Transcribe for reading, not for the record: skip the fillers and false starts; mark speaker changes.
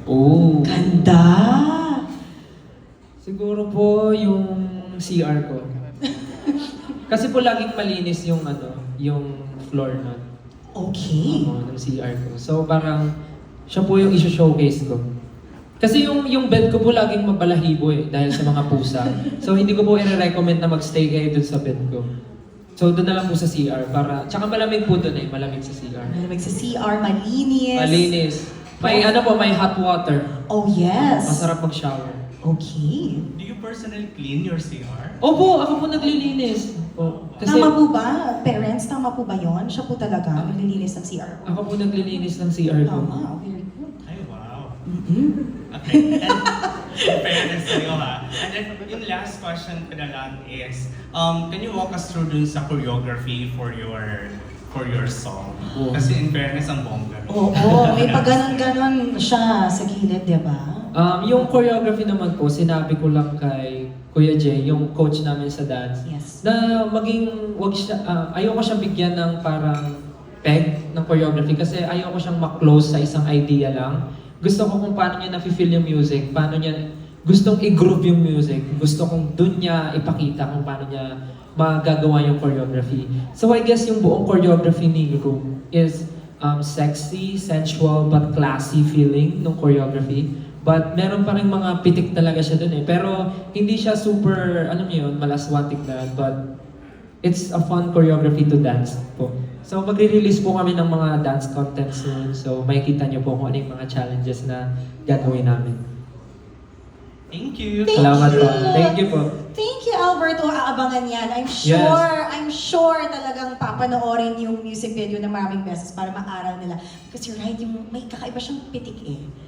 Speaker 1: Oh.
Speaker 2: Ganda!
Speaker 1: Siguro po yung CR ko. Kasi po laging malinis yung yung floor nun.
Speaker 2: Okay.
Speaker 1: Ng CR ko. So parang siya po yung i-showcase ko. Kasi yung bed ko po laging mabalahibo dahil sa mga pusa. So hindi ko po i-recommend na magstay kayo dun sa bed ko. So doon na lang po sa CR para tsaka malamig po doon malamig sa CR.
Speaker 2: Malamig sa CR, malinis.
Speaker 1: Malinis. May may hot water.
Speaker 2: Oh yes.
Speaker 1: Masarap mag-shower.
Speaker 2: Okay.
Speaker 3: Do you personally clean your CR?
Speaker 1: Opo, ako po naglilinis. Kasi
Speaker 2: Tama po ba? Parents, tama po ba yon? Siya po talaga naglilinis ng CR.
Speaker 1: ako po naglilinis ng CR ko.
Speaker 2: Tama, very good.
Speaker 3: Ay, wow.
Speaker 2: Mm-hmm.
Speaker 3: Okay. And in fairness sa'yo ha. And then, yung last question ko na lang is, can you walk us through dun sa choreography for your song?
Speaker 1: Oo.
Speaker 3: Kasi in fairness, ang bongga.
Speaker 2: Oo, may pag-ganon-ganon siya sa gilid, di ba?
Speaker 1: Yung choreography naman po, sinabi ko lang kay Kuya Jay, yung coach namin sa dance,
Speaker 2: Yes.
Speaker 1: na wag siya, ayoko siyang bigyan ng parang peg ng choreography kasi ayoko siyang ma-close sa isang idea lang. Gusto ko kung paano niya na-feel yung music, paano niya gustong i-groove yung music, gusto kong dun niya ipakita kung paano niya magagawa yung choreography. So I guess yung buong choreography ni Nico is sexy, sensual, but classy feeling ng choreography. But meron pa rin mga pitik talaga siya dun Pero hindi siya super, malaswatik na. But it's a fun choreography to dance po. So magre-release po kami ng mga dance content soon. So makikita niyo po kung ano yung mga challenges na gagawin namin.
Speaker 3: Thank you.
Speaker 1: Salamat po. Thank you po.
Speaker 2: Thank you, Alberto. Aabangan yan. I'm sure talagang papanoorin yung music video na maraming beses para maaral nila. Because you're right, may kakaiba siyang pitik